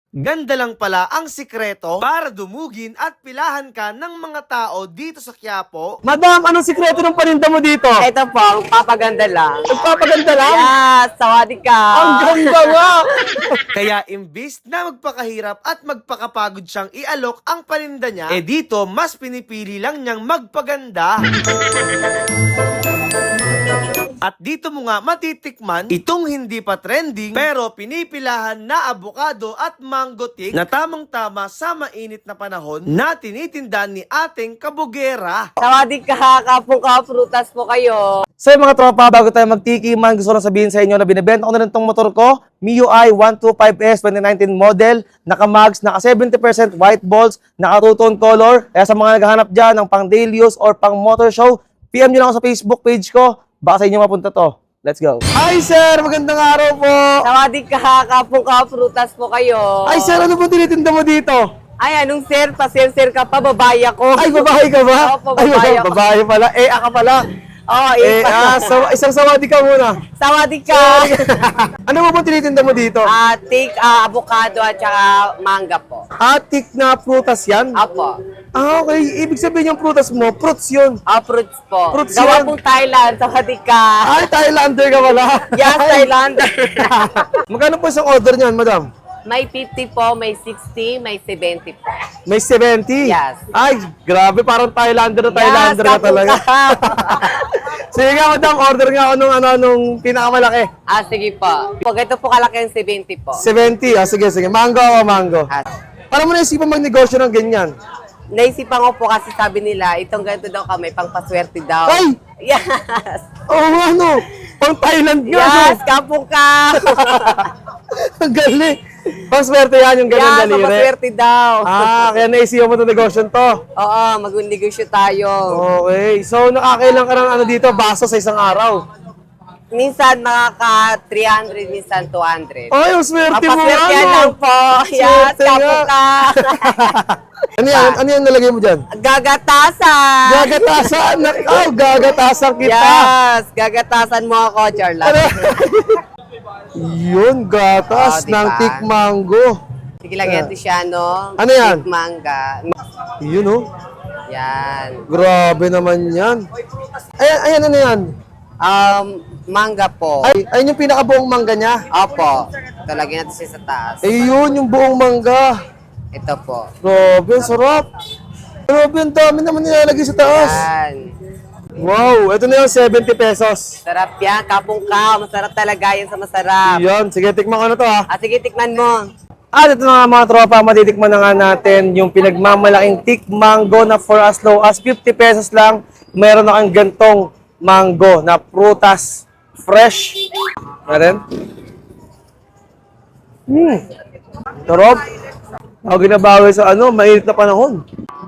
Ganda lang pala ang sikreto para dumugin at pilahan ka ng mga tao dito sa Quiapo. Madam, anong sikreto ng paninda mo dito? Ito po, magpapaganda lang. Nagpapaganda lang? Yes, sawadee ka. Ang ganda nga! Kaya imbis na magpakahirap at magpakapagod siyang ialok ang paninda niya, dito mas pinipili lang niyang magpaganda. At dito mo nga matitikman itong hindi pa trending pero pinipilahan na avocado at mango tick na tamang-tama sa mainit na panahon na tinitinda ni ating kabugera. Sawadee ka, kapong prutas po kayo. So mga tropa, bago tayo magtikiman, gusto ko lang sabihin sa inyo na binibenta ko na rin itong motor ko, MIUI 125S 2019 model, naka-mags, naka 70% white balls, naka two-tone color. Kaya sa mga naghahanap dyan ng pang daily use or pang motor show, PM nyo lang ako sa Facebook page ko. Baka sa inyo mapunta to. Let's go. Hi sir! Magandang araw po! Sawadee ka, kapong prutas po kayo. Ay sir, ano po tinitinda mo dito? Ay, anong sir? Pa-sir ka pa, babae ako. Ay, babae ka ba? Opo, babae ako. Babae pala. Aka pala. Oh, Isang sawadee ka muna. sawadee ka. Ano mo po tinitinda mo dito? Take avocado at saka manga po. Atik na prutas yan? Apo. Okay. Ibig sabihin yung prutas mo, fruits yun. Fruits po. Fruits Gawa yan. pong Thailand, sawadee ka. Ay, Thailander ka pala. Yes, Thailander. Magkano po isang order niyan, madam? May 50 po, may 60, may 70 po. May 70? Yes. Ay, grabe. Parang Thailander na Thailander Yes, ka talaga. Sige nga, madam. Order nga ako nung pinakamalaki. Sige po. Pag ito po kalaki yung 70 po. 70. Sige. Mango o mango. Para mo naisipan magnegosyo ng ganyan. Naisipan ko po kasi sabi nila, itong ganito daw kami, pang paswerte daw. Ay! Yes! Oo, ano? Pang Thailand nga, Yes, no? kapong ka! Ang galing. Pang swerte yan, yung ganyan Yes, daliri. pang paswerte daw. Kaya naisipan mo itong negosyo to. Oo, mag-negosyo tayo. Okay. So, nakakailang ka ng ano dito, baso sa isang araw. Minsan makaka 300, minsan 200. Ay, ang swerte mo, Papaswerte yan ano? lang po. Yes, Swerte nga. kapong ka. Ano yan? Ano yan nalagay mo dyan? Gagatasan! Gagatasan! Gagatasan kita! Yes, gagatasan mo ako, Charlotte. Ano? Yun, gatas Diba? ng tick mango. Sige lang yan, Tiziano. Ano yan? Big manga. Yun, oh. Yan. Grabe naman yan. Ayan, ano yan? Manga po. Ay, ayun yung pinakabuong mangga niya. Opo. Ito, lagyan natin siya sa taas. Ayun, yung buong mangga. Ito po. Grabe, ang sarap. Grabe, ang dami naman nilalagay sa taas. Yan. Wow, ito na yung 70 pesos. Sarap yan. Kapong ka. Masarap talaga yan sa masarap. Yan, sige, tikman ko na to ha. Sige, tikman mo. At ito na nga mga tropa, matitikman na nga natin yung pinagmamalaking tick mango na for as low as 50 pesos lang. Meron na kang gantong mango na prutas fresh. Natin? Sarap. Ako ginabawi sa mainit na panahon.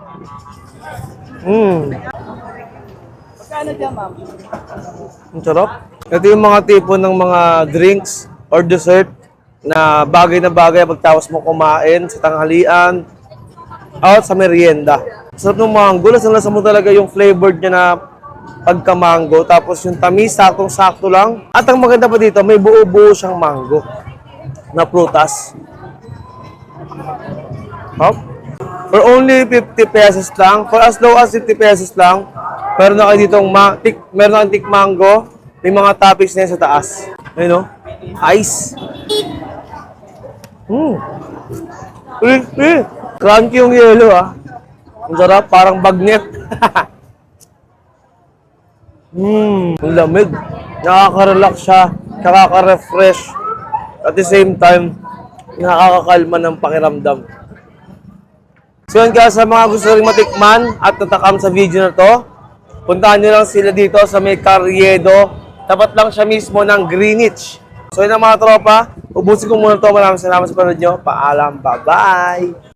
Ang sarap. Ito yung mga tipo ng mga drinks or dessert na bagay pagtapos mo kumain sa tanghalian at sa merienda. Sarap ng mango. Lasa mo talaga yung flavored niya na pagka-mango. Tapos yung tamis, saktong-sakto lang. At ang maganda pa dito, may buo-buo siyang mango na prutas. Hop. For only 50 pesos lang, for as low as 50 pesos lang, meron na kayo ditong meron na tick mango, may mga toppings na yan sa taas. Ayun o, ice. Crunchy yung yelo ah. Ang sarap, parang bagnet. Ang lamig. Nakaka-relax siya, nakaka-refresh. At the same time, nakakakalma ng pakiramdam. So yun guys, sa mga gusto rin matikman at natakam sa video na to, puntahan nyo lang sila dito sa may Carriedo. Tapat lang siya mismo ng Greenwich. So yun ang mga tropa, ubusin ko muna to. Maraming salamat sa panood nyo. Paalam, bye-bye!